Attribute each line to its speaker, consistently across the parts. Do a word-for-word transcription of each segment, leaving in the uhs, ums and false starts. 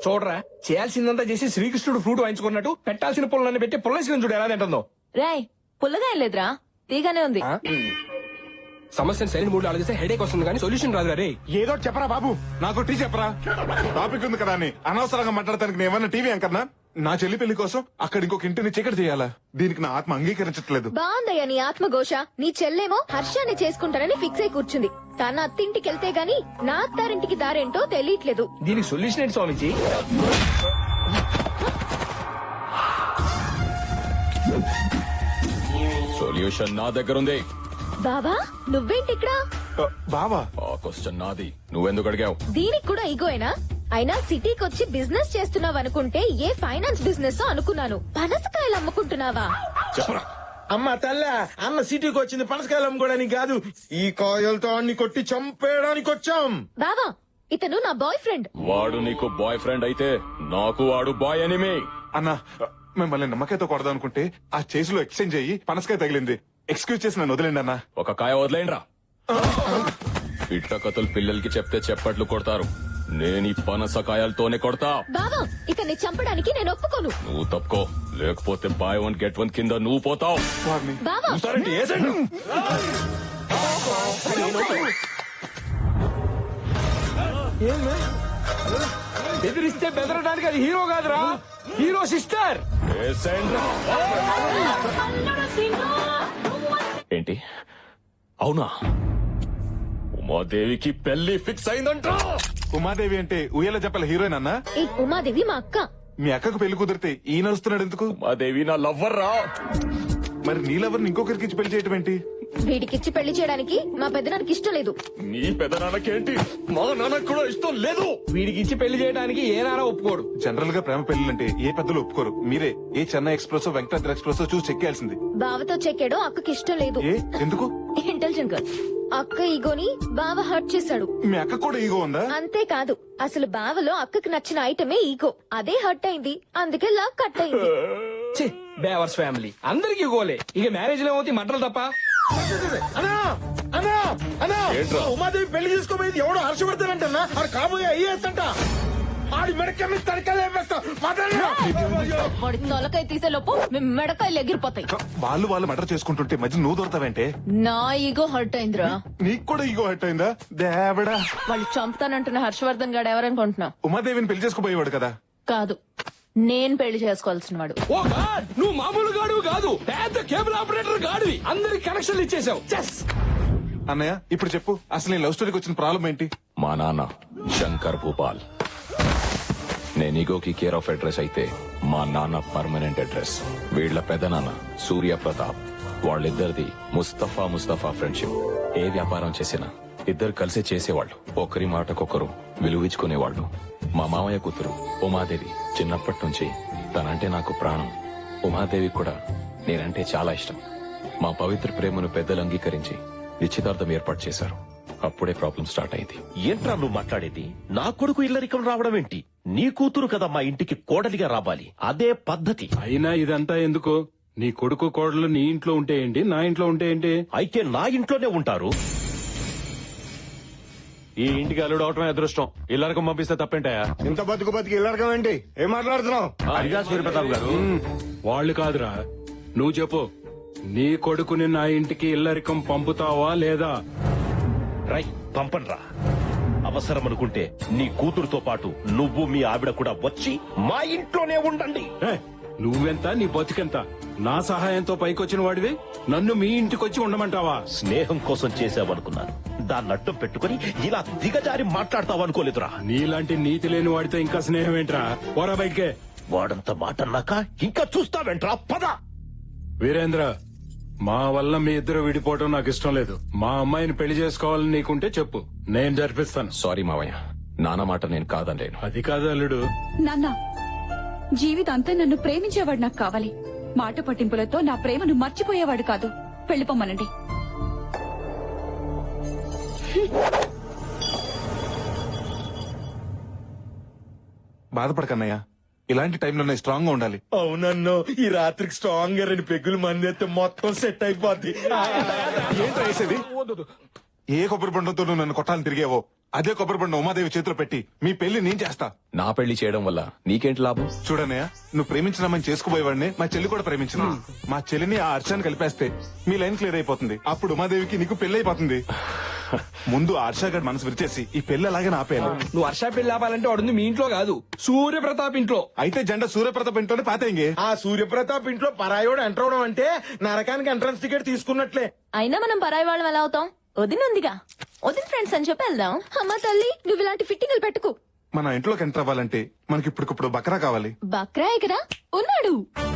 Speaker 1: చూడరా, చేయాల్సిందంతా చేసి శ్రీకృష్ణుడు ఫ్రూట్ వాయించుకున్నట్టు పెట్టాల్సిన పుల్లన్ని పెట్టి పుల్లసిన చూడు ఎలా తింటుందో.
Speaker 2: రాయ్ పుల్లగా ఏం లేదురా, తీగానే ఉంది.
Speaker 1: సమస్యను సరైన మూడు ఆలోచిస్తే హెడేక్ వస్తుంది కానీ సొల్యూషన్ రాదు రే.
Speaker 3: ఏదో చెప్పరా బాబు, నాకు టీ చెప్పరా. టాపిక్ ఉంది కదా అని అనవసరంగా మాట్లాడతానికి నేను ఏమన్నా టీవీ అంకర్నా? నా చెల్లి పెళ్లి కోసం అక్కడ ఇంకొక ఇంటిని చీకటి చేయాలా? దీనికి నా ఆత్మ అంగీకరించట్లేదు.
Speaker 4: బాగుందయ్యా నీ ఆత్మఘోష. నీ చెల్లేమో హర్షాన్ని చేసుకుంటానని ఫిక్స్ అయి కూర్చుంది. తన అత్తింటికి వెళ్తే గాని నా అత్తారింటికి దారేంటో తెలియట్లేదు.
Speaker 1: దీనికి సొల్యూషన్ ఏంటి స్వామిజీ?
Speaker 5: సొల్యూషన్ నా దగ్గర ఉంది.
Speaker 4: బావా నువ్వేంటి ఇక్కడ?
Speaker 3: బావా
Speaker 5: ఆ క్వశ్చన్ నాది, నువ్వెందుకు అడిగావు?
Speaker 4: దీనికి కూడా ఈగోయేనా? అయినా సిటీకి వచ్చి బిజినెస్ చేస్తున్నావు అనుకుంటే ఏ ఫైనాన్స్ బిజినెస్ అనుకున్నాను. పనసకాయలు అమ్ముకుంటున్నావా?
Speaker 5: చెప్పరా.
Speaker 6: అమ్మ తల్ల, అన్న సిటీకి వచ్చింది పనసకాయలు అమ్ముకోవడానికి కాదు, ఈ కాయలతో అన్ని కొట్టి చంపేయడానికి వచ్చాం.
Speaker 4: బావా ఇతను నా బాయ్ ఫ్రెండ్.
Speaker 5: వాడు నీకు బాయ్ ఫ్రెండ్ అయితే నాకు వాడు బాయ్ ఎనిమి.
Speaker 3: అన్నా మిమ్మల్ని నమ్మకాయతో కొడదాం అనుకుంటే ఆ చేసిలో ఎక్స్చేంజ్ అయ్యి పనసకాయ తగిలింది. ఎక్స్క్యూజ్ చేసి నన్ను వదిలేండి అన్నా.
Speaker 5: ఒక కాయ వదిలేండ్రా. ఇట్ట కథలు పిల్లలకి చెప్తే చెప్పట్లు కొడతారు. నేను ఈ పనసకాయలతోనే కొడతా.
Speaker 4: బావా ఇతన్ని చంపడానికి నేను ఒప్పుకోను.
Speaker 5: నువ్వు తప్పుకో, లేకపోతే బాయ్ వన్ గెట్ వన్ కింద నువ్వు పోతావు.
Speaker 4: బావా
Speaker 1: బెదిరిస్తే బెదరడానికి అది హీరో కాదురా, హీరో సిస్టర్.
Speaker 5: ఏంటి అవునా? ఉమాదేవికి పెళ్లి ఫిక్స్ అయిందంట.
Speaker 3: ఉమాదేవి అంటే ఉయ్యాల చెప్పల హీరోయిన్ అన్నా?
Speaker 4: ఈ ఉమాదేవి మా అక్క.
Speaker 3: మీ అక్కకు పెళ్లి కుదిరితే ఈ నడుస్తున్నాడు ఎందుకు?
Speaker 5: ఉమాదేవి నా లవ్వర్ రా.
Speaker 3: మరి నీ లవర్ని ఇంకొకరికి ఇచ్చి పెళ్లి చేయటం ఏంటి?
Speaker 4: వీడికిచ్చి పెళ్లి చేయడానికి మా పెద్దనానికి ఇష్టం లేదు.
Speaker 5: నీ పెదనాన్నకేంటి? మా నాన్నకు కూడా ఇష్టం లేదు.
Speaker 1: వీడికి ఇచ్చి పెళ్లి చేయడానికి ఏ నాన్న ఒప్పుకోడు.
Speaker 3: జనరల్ గా ప్రేమ పెళ్లిలంటే ఏ పెద్దలు ఒప్పుకోరు. మీరే ఏ చెన్నై ఎక్స్ప్రెస్ వెంకటాద్రి ఎక్స్ప్రెస్ చూసి చెక్కేయాల్సింది.
Speaker 4: బావతో చెక్కాడో అక్కకి ఇష్టం లేదు.
Speaker 3: ఏ ఎందుకు?
Speaker 4: Intelligent girl. అక్క ఈగోని బావ హర్ట్ చేశాడు.
Speaker 3: మీ అక్క కూడా ఈగో ఉందా?
Speaker 4: అంతేకాదు అసలు బావలో అక్కకి నచ్చిన ఐటమే ఈగో. అదే హర్ట్ అయింది, అందుకే లవ్ కట్ అయింది.
Speaker 1: బేవర్స్ ఫ్యామిలీ అందరికి గోలే. ఇక మ్యారేజ్ లో ఏమవుతాయి మంటలు తప్ప.
Speaker 6: అన్నా అన్నా అన్నా,
Speaker 5: ఏంట్రా?
Speaker 6: ఉమాదేవి పెళ్లి చేసుకోబోయేది ఎవడో హర్షవర్ధన్ ఆడు కాబోయే ఐఏఎస్ అంట. ఆడి మెడక మీద తడకలు వేస్తా.
Speaker 2: వాడి తొలకాయ తీసే లోపు మేము మెడకాయలు ఎగిరిపోతాయి.
Speaker 3: వాళ్ళు వాళ్ళు మర్డర్ చేసుకుంటుంటే మధ్య నువ్వు దొరతావంటే?
Speaker 2: నా ఈగో హర్ట్ అయిందిరా.
Speaker 3: నీకు కూడా ఈగో హట్ అయిందా? దేవడా,
Speaker 2: వాళ్ళు చంపుతానంటున్న హర్షవర్ధన్ గాడు ఎవరనుకుంటున్నావు?
Speaker 3: ఉమాదేవిని పెళ్లి చేసుకోబోయేవాడు కదా?
Speaker 2: కాదు, నేను పెళ్లి చేసుకోవాల్సిన వాడు.
Speaker 1: ఓ గాడ్, నువ్వు మామూలు గాడువు కాదు, పెద్ద కేబుల్ ఆపరేటర్ గాడివి. అందరికి కనెక్షన్లు ఇచ్చేసావు. చెస్
Speaker 3: అన్నయ్య ఇప్పుడు చెప్పు, అసలు నీ లవ్ స్టోరీకి వచ్చిన ప్రాబ్లం ఏంటి?
Speaker 5: మా నాన్న శంకర్ భూపాల్. నేను ఈగోకి కేర్ ఆఫ్ అడ్రస్ అయితే మా నాన్న పర్మనెంట్ అడ్రస్. వీళ్ల పెదనాన్న సూర్య ప్రతాప్. వాళ్ళిద్దరిది ముస్తఫా ముస్తఫా ఫ్రెండ్షిప్. ఏ వ్యాపారం చేసినా ఇద్దరు కలిసి చేసేవాళ్ళు. ఒకరి మాటకొకరు విలువించుకునేవాళ్ళు. మా మామయ్య కూతురు ఉమాదేవి చిన్నప్పటి నుంచి తనంటే నాకు ప్రాణం. ఉమాదేవి కూడా నేనంటే చాలా ఇష్టం. మా పవిత్ర ప్రేమను పెద్దలు అంగీకరించి నిశ్చితార్థం ఏర్పాటు చేశారు. అప్పుడే ప్రాబ్లం స్టార్ట్ అయింది.
Speaker 7: ఏంట్రా నువ్వు మాట్లాడేది? నా కొడుకు ఇల్లరికం రావడం ఏంటి? నీ కూతురు కదా మా ఇంటికి కోడలిగా రావాలి, అదే పద్ధతి.
Speaker 8: అయినా ఇదంతా ఎందుకు? నీ కొడుకు కోడలు నీ ఇంట్లో ఉంటే ఏంటి, నా ఇంట్లో ఉంటే ఏంటి?
Speaker 7: అయితే నా ఇంట్లోనే ఉంటారు.
Speaker 8: ఈ ఇంటికి అల్లుడు అవటమే అదృష్టం. ఇల్లరికం పంపిస్తే తప్పేంటాయా?
Speaker 6: ఇంత బతుకు బతికి ఇల్లరకం ఏంటి? ఏం మాట్లాడుతున్నావు?
Speaker 7: అదిగా సూర్యప్రతాప్ గారు,
Speaker 8: వాళ్ళు కాదురా, నువ్వు చెప్పు. నీ కొడుకుని నా ఇంటికి ఇల్లరికం పంపుతావా లేదా?
Speaker 7: రై పంపన్రా. అవసరం అనుకుంటే నీ కూతురుతో పాటు నువ్వు మీ ఆవిడ కూడా వచ్చి మా ఇంట్లోనే ఉండండి.
Speaker 8: ఏ, నువ్వెంత, నీ బతుకెంత? నా సహాయంతో పైకొచ్చిన వాడివి నన్ను మీ ఇంటికొచ్చి ఉండమంటావా?
Speaker 7: స్నేహం కోసం చేసావనుకున్నాను, దాన్ని అడ్డం పెట్టుకుని ఇలా దిగజారి మాట్లాడతావనుకోలేదురా.
Speaker 8: నీలాంటి నీతి లేని వాడితో ఇంకా స్నేహం ఏంట్రా? పోరా బయటికే.
Speaker 7: వాడంత మాట అన్నాక ఇంకా చూస్తావేంట్రా? పద.
Speaker 8: వీరేంద్ర, మా వల్ల మీ ఇద్దరు విడిపోవడం నాకు ఇష్టం లేదు. మా అమ్మాయిని పెళ్లి చేసుకోవాలని నీకుంటే చెప్పు, నేను జరిపిస్తాను.
Speaker 5: సారీ మావయ్య, నాన్న మాట నేను కాదనలేను.
Speaker 8: అది కాదు అల్లుడు.
Speaker 9: నాన్న, జీవితాంతా నన్ను ప్రేమించేవాడు నాకు కావాలి. మాట పట్టింపులతో నా ప్రేమను మర్చిపోయేవాడు కాదు. వెళ్ళిపోమ్మనండి.
Speaker 3: బాధపడకన్నయ్య, ఇలాంటి టైంలోనే స్ట్రాంగ్ గా ఉండాలి.
Speaker 6: అవునన్నో, ఈ రాత్రికి స్ట్రాంగ్ గా రెండు పెగ్గులు మంది అయితే మొత్తం సెట్ అయిపోద్ది.
Speaker 3: ఏంటి వేసేది? ఏ కొబ్బరి బండంతో నువ్వు నన్ను కొట్టాలని తిరిగేవో అదే కొబ్బరి బండ ఉమాదేవి చేతిలో పెట్టి మీ పెళ్లి నేను చేస్తా.
Speaker 5: నా పెళ్లి చేయడం వల్ల నీకేంటి లాభం?
Speaker 3: చూడనయ్య, నువ్వు ప్రేమించినామని చేసుకుపోయేవాడిని మా చెల్లి కూడా ప్రేమించిన. మా చెల్లిని ఆ హర్షాన్ని కలిపేస్తే మీ లైన్ క్లియర్ అయిపోతుంది. అప్పుడు ఉమాదేవికి నీకు పెళ్లి అయిపోతుంది. ముందు ఆ హర్ష గారి మనసు విరిచేసి ఈ పెళ్లి అలాగే ఆపేయాలి.
Speaker 1: నువ్వు వర్ష పెళ్లి ఆపాలంటే వాడుంది మీ ఇంట్లో కాదు, సూర్యప్రతాప్ ఇంట్లో.
Speaker 3: అయితే జెండా సూర్యప్రతాప్ ఇంట్లోనే పాతేంగే.
Speaker 6: ఆ సూర్యప్రతాప్ ఇంట్లో పరాయోడు ఎంటర్ అవడం అంటే నరకానికి ఎంట్రన్స్ టికెట్ తీసుకున్నట్లే.
Speaker 2: అయినా మనం పరాయి వాళ్ళం ఎలా అవుతాం? వదిన ఉందిగా, వదిన ఫ్రెండ్స్ అని చెప్పి వెళ్దాం.
Speaker 4: అమ్మ తల్లి, నువ్వు ఇలాంటి ఫిట్టింగ్లు పెట్టుకు.
Speaker 3: మన ఇంట్లోకి ఎంటర్ అవ్వాలంటే మనకి ఇప్పటికప్పుడు బకరా కావాలి.
Speaker 4: బక్రాయ్ కదా ఉన్నాడు.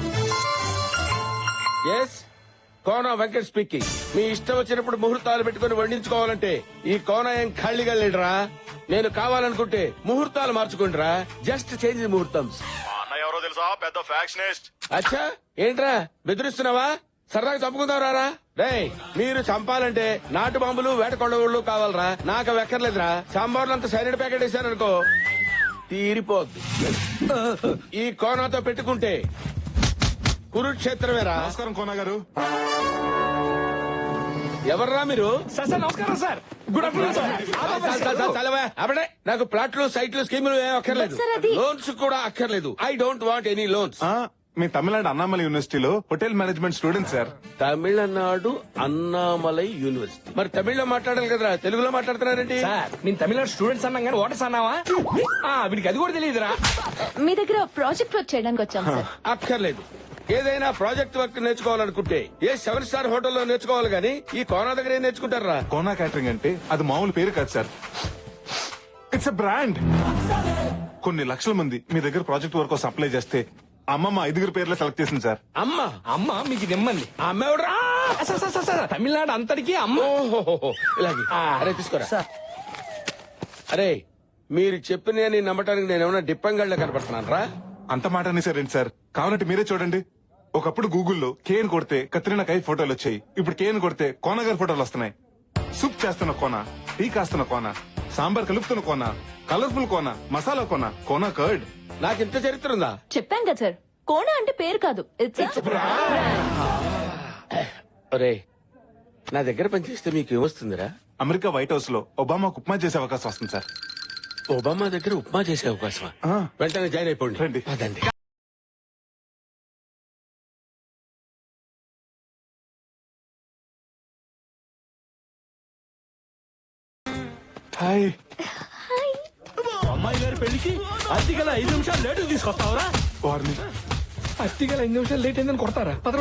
Speaker 6: Yes, Kona Venkat speaking. మీ ఇష్టం వచ్చినప్పుడు ముహూర్తాలు పెట్టుకుని వండించుకోవాలంటే ఈ కోన ఏం ఖాళీగా లేడురా. నేను కావాలనుకుంటే ముహూర్తాలు మార్చుకుంటారా. జస్ట్ చేంజ్ ముహూర్తం.
Speaker 3: ఎవరో తెలుసా? పెద్ద ఫ్యాక్షనిస్ట్.
Speaker 6: అచ్చా, ఏంట్రా బెదిరిస్తున్నావా? సరదాగా చంపుకుందాం రారా. రేయ్, మీరు చంపాలంటే నాటు బాంబులు వేట కొండవుళ్ళు కావాలరా. నాకు అవి ఎక్కర్లేదురా. సాంబార్లు అంత సైనిడ్ ప్యాకెట్ వేసారనుకో తీరిపోద్ది. ఈ కోనాతో పెట్టుకుంటే కురుక్షేత్రమేరా.
Speaker 3: నమస్కారం కోన గారు.
Speaker 6: ఎవర్రా మీరు?
Speaker 1: సార్ సార్ నమస్కారం సార్. Good afternoon sir.
Speaker 6: చాలు, చాలు, చాలు, చాలవా? అప్పుడే నాకు ప్లాట్లు సైట్లు స్కీములు ఏం అక్కర్లేదు.
Speaker 4: సార్, అది-
Speaker 6: లోన్స్ కూడా అక్కర్లేదు. I don't want any loans.
Speaker 3: ఆ, మీ తమిళనాడు అన్నామలై యూనివర్సిటీలో hotel management student sir.
Speaker 6: Tamil Nadu Annamalai university. మరి తమిళ్లో మాట్లాడాలి కదరా, తెలుగులో మాట్లాడుతున్నారేంటి?
Speaker 1: సార్ నేను తమిళనాడు స్టూడెంట్స్ అన్నాం కానీ ఓటర్స్ అన్నావా? ఆ, వీడికి అది కూడా తెలియదురా.
Speaker 2: మీ దగ్గర ప్రాజెక్ట్ వర్క్ చేయడానికి వచ్చాం సార్.
Speaker 6: అక్కర్లేదు. ఏదైనా ప్రాజెక్ట్ వర్క్ నేర్చుకోవాలనుకుంటే ఏ సెవెన్ స్టార్ హోటల్లో నేర్చుకోవాలి గానీ ఈ కోనా దగ్గర ఏం నేర్చుకుంటారా?
Speaker 3: కోనా క్యాటరింగ్ అంటే అది మామూలు పేరు కాదు సార్. It's a brand. కొన్ని లక్షల మంది మీ దగ్గర ప్రాజెక్ట్ వర్క్ కోసం అప్లై చేస్తే అమ్మమ్మ ఐదుగురు పేర్లే సెలెక్ట్ చేసింది సార్.
Speaker 6: అమ్మ
Speaker 1: అమ్మ మీకు నిమ్మంది.
Speaker 6: ఆ అమ్మ ఎవడురా?
Speaker 1: Sir sir, sir sir Tamil Nadu అంతటికి అమ్మ.
Speaker 6: ఓహోహోహో, ఇలాగే. అరే తీసుకోరా. అరే, మీరు చెప్పిన నమ్మటానికి నేను ఏమైనా డిప్పంగళ్ళ కనపడుతున్నాను రా.
Speaker 3: అంత మాట అనేసారేంటి సార్? కావాలంటే మీరే చూడండి. ఒకప్పుడు గూగుల్లో కేన్ కొడితే కత్రినా కై ఫోటోలు వచ్చాయి. ఇప్పుడు కేన్ కొడితే కోన గారి ఫోటోలు వస్తున్నాయి. సూప్ చేస్తున్న కోన, టీ కాస్తున్న కోన, సాంబార్ కలుపుతున్న కోన, కలర్ఫుల్ కోన, మసాలా కోన, కోన కర్డ్.
Speaker 6: నాకు ఇంత చరిత్ర ఉందా?
Speaker 2: చెప్పాం కదా సార్, కోణ అంటే పేరు కాదు, ఇట్స్
Speaker 6: ఒరే, నా దగ్గర పనిచేస్తే మీకు ఏమొస్తుందిరా?
Speaker 3: అమెరికా వైట్ హౌస్ లో ఒబామాకు ఉప్మా చేసే అవకాశం వస్తుంది సార్.
Speaker 6: ఒబామా దగ్గర ఉప్మా చేసే అవకాశమా?
Speaker 3: ఆ.
Speaker 6: వెంటనే జాయిన్ అయిపోండి.
Speaker 3: రండి.
Speaker 6: అదండి.
Speaker 3: హాయ్.
Speaker 1: అమ్మాయి గారి పెళ్లికి అతిగల ఐదు నిమిషాలు లేటు తీసుకొస్తావురా?
Speaker 3: వారిని
Speaker 1: అతిగల ఐదు నిమిషాలు లేట్ అయిందని కొడతారా? పదరు.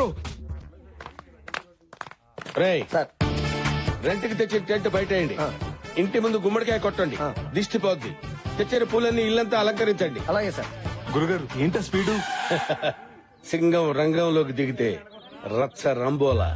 Speaker 6: రేయ్, రెంట్ కి తెచ్చిన టెంట్ బయటేయండి. ఇంటి ముందు గుమ్మడికాయ కొట్టండి, దిష్టి పోద్ది. తెచ్చిన పూలన్నీ ఇల్లంతా అలంకరించండి.
Speaker 1: అలాగే సార్.
Speaker 3: గురుగారు ఏంటా స్పీడు?
Speaker 6: సింగం రంగంలోకి దిగితే రచ్చ రంబోలా.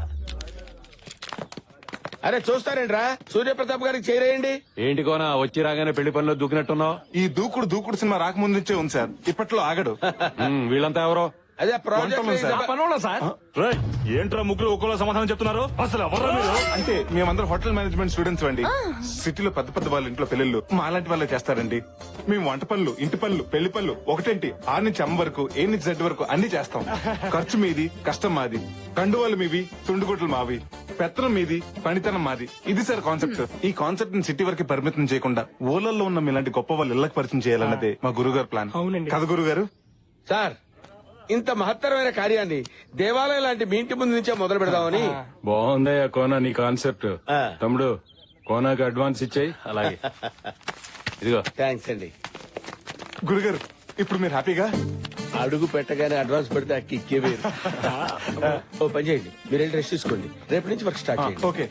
Speaker 6: అరే చూస్తారేంట్రా, సూర్యప్రతాప్ గారికి చేరేయండి.
Speaker 8: ఏంటి కోనా వచ్చి రాగానే పెళ్లి పనిలో దూకినట్టున్నావు?
Speaker 3: ఈ దూకుడు దూకుడు సినిమా రాకముందు నుంచే ఉంది సార్. ఇప్పట్లో ఆగడు.
Speaker 8: ఉమ్, వీళ్ళంతా ఎవరో?
Speaker 6: అదే
Speaker 3: వంటలు సార్.
Speaker 6: ప్రాజెక్ట్.
Speaker 1: పనోళ్ళ సార్.
Speaker 8: ఏంట్రా ముగ్గురు ఒక్కలో సమాధానం చెప్తున్నారు? అసలు ఎవరు మీరు?
Speaker 3: అంటే మేమందరం హోటల్ మేనేజ్మెంట్ స్టూడెంట్స్ అండి. సిటీలో పెద్ద పెద్ద వాళ్ళ ఇంట్లో పెళ్లిళ్ళు మా అలాంటి వాళ్ళే చేస్తారండి. మేము వంట పనులు, ఇంటి పనులు, పెళ్లి పనులు ఒకటేంటి ఆరు నుంచి అమ్మ వరకు, ఏ నుంచి జెడ్ వరకు అన్ని చేస్తాం. ఖర్చు మీది, కష్టం మాది. కండువాలు మీవి, తుండుగుట్లు మావి. పెత్తనం మీది, పనితనం మాది. ఇది సార్ కాన్సెప్ట్. ఈ కాన్సెప్ట్ ని సిటీ వరకు పరిమితం చేయకుండా ఊళ్ళల్లో ఉన్న మీలాంటి గొప్ప వాళ్ళు ఇళ్లకు పరిచయం చేయాలన్నదే మా గురుగారు ప్లాన్.
Speaker 1: అవునండి.
Speaker 3: కదా గురుగారు?
Speaker 6: సార్, ఇంత మహత్తరమైన కార్యాన్ని దేవాలయం లాంటి మీ ఇంటి ముందు నుంచే మొదలు పెడదామని.
Speaker 8: బాగుందయ్యా కోనా నీ కాన్సెప్ట్.
Speaker 6: ఆ.
Speaker 8: తమ్ముడు కోనాకి అడ్వాన్స్ ఇచ్చాయి. అలాగే ఇదిగో.
Speaker 6: థ్యాంక్స్ అండి.
Speaker 3: గురుగారు ఇప్పుడు మీరు హ్యాపీగా?
Speaker 6: అడుగు పెట్టగానే అడ్వాన్స్ పెడితే అక్కి ఇక్కే వేరు. ఓ పని చేయండి, మీరు వెళ్ళి రెస్ట్ తీసుకోండి. రేపు నుంచి వర్క్ స్టార్ట్ చేయండి.
Speaker 3: ఓకే.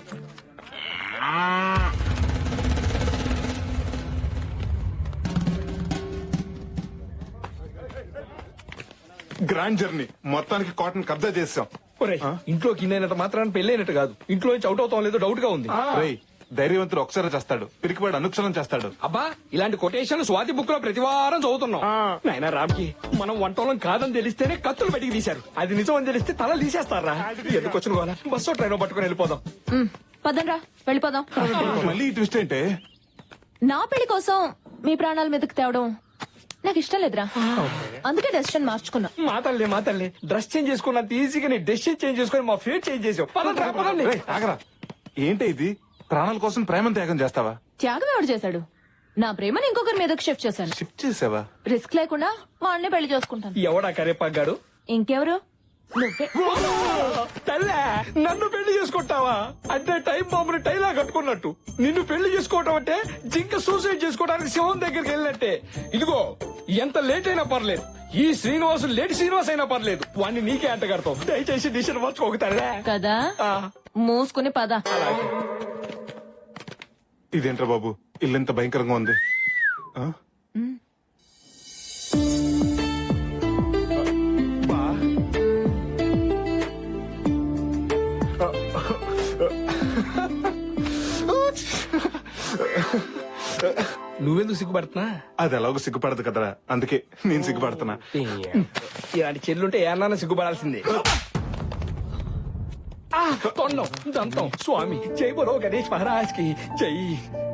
Speaker 3: గ్రాండ్ జర్నీ మొత్తానికి కాటన్ కబ్జా చేసాం.
Speaker 1: ఒరేయ్, ఇంట్లోకి ఇన్నైనంత మాత్రాన్ని పెళ్ళైనట్టు కాదు. ఇంట్లో నుంచి అవుట్ అవుతాం లేదో డౌట్ గా ఉంది.
Speaker 3: రేయ్, ధైర్యవంతుడు ఒకసారి చేస్తాడు, పిరికివాడు అనుక్షరం చేస్తాడు.
Speaker 1: అబ్బా, ఇలాంటి కొటేషన్ స్వాతి బుక్ లో ప్రతి వారం చదువుతున్నాం. నాయనా రామ్కి మనం వంటోళం కాదని తెలిస్తేనే కత్తులు బయటికి తీశారు. అది నిజం అని తెలిస్తే తలలు తీసేస్తారా? ఎందుకు వచ్చిన గోల? బస్సు ట్రైన్ పట్టుకుని వెళ్ళిపోదాం.
Speaker 2: పదండ్రా వెళ్ళిపోదాం.
Speaker 3: మళ్ళీ ఈ ట్విస్ట్ ఏంటే?
Speaker 2: నా పెళ్లి కోసం మీ ప్రాణాల మీదకి తేవడం నాకు ఇష్టం లేదురా. అందుకే డెసిషన్ మార్చుకున్నా.
Speaker 1: మా తల్లి మా తల్లి డ్రెస్ చేంజ్ చేసుకున్నంత ఈజీగా నీ డెసిషన్ చేంజ్ చేసుకుని మా ఫేట్ చేంజ్ చేసావు. పదండి రా, పదండి.
Speaker 3: రేయ్, ఆగరా. ఏంటి ఇది? ప్రాణాల కోసం ప్రేమను త్యాగం చేస్తావా?
Speaker 2: త్యాగం ఎవడు చేశాడు? నా ప్రేమని ఇంకొకరి మీదకి షిఫ్ట్ చేశాను.
Speaker 3: షిఫ్ట్ చేసావా?
Speaker 2: రిస్క్ లేకుండా వాడిని పెళ్లి చేసుకుంటాను.
Speaker 1: ఎవడా కరేపాగాడు?
Speaker 2: ఇంకెవరు? నువ్వే.
Speaker 1: తల్లే, నన్ను పెళ్లి చేసుకుంటావా అంటే టైం బాంబుని టైలా కట్టుకున్నట్టు. నిన్ను పెళ్లి చేసుకోవటం అంటే జింక సూసైడ్ చేసుకోవడానికి సింహం దగ్గరికి వెళ్ళినట్టే. ఇదిగో, ఎంత లేట్ అయినా పర్లేదు, ఈ శ్రీనివాసు లేట్ శ్రీనివాస్ అయినా పర్లేదు, వాడిని నీకే అంట కడతావు. దయచేసి డిసిషన్ మార్చుకోగతాడే
Speaker 2: కదా. మూసుకుని పద.
Speaker 3: ఇదేంట్రా బాబు, ఇల్లు ఎంత భయంకరంగా ఉంది. ఆ? బా.
Speaker 1: నువ్వెందుకు సిగ్గుపడుతున్నా?
Speaker 3: అది ఎలాగో సిగ్గుపడదు కదరా, అందుకే నేను సిగ్గుపడుతున్నా.
Speaker 1: ఇలాంటి చెల్లుంటే ఏమన్నా సిగ్గుపడాల్సిందే. ఆ, తొండం దంతం స్వామి జై బలో గణేష్ మహారాజ్ కి జై.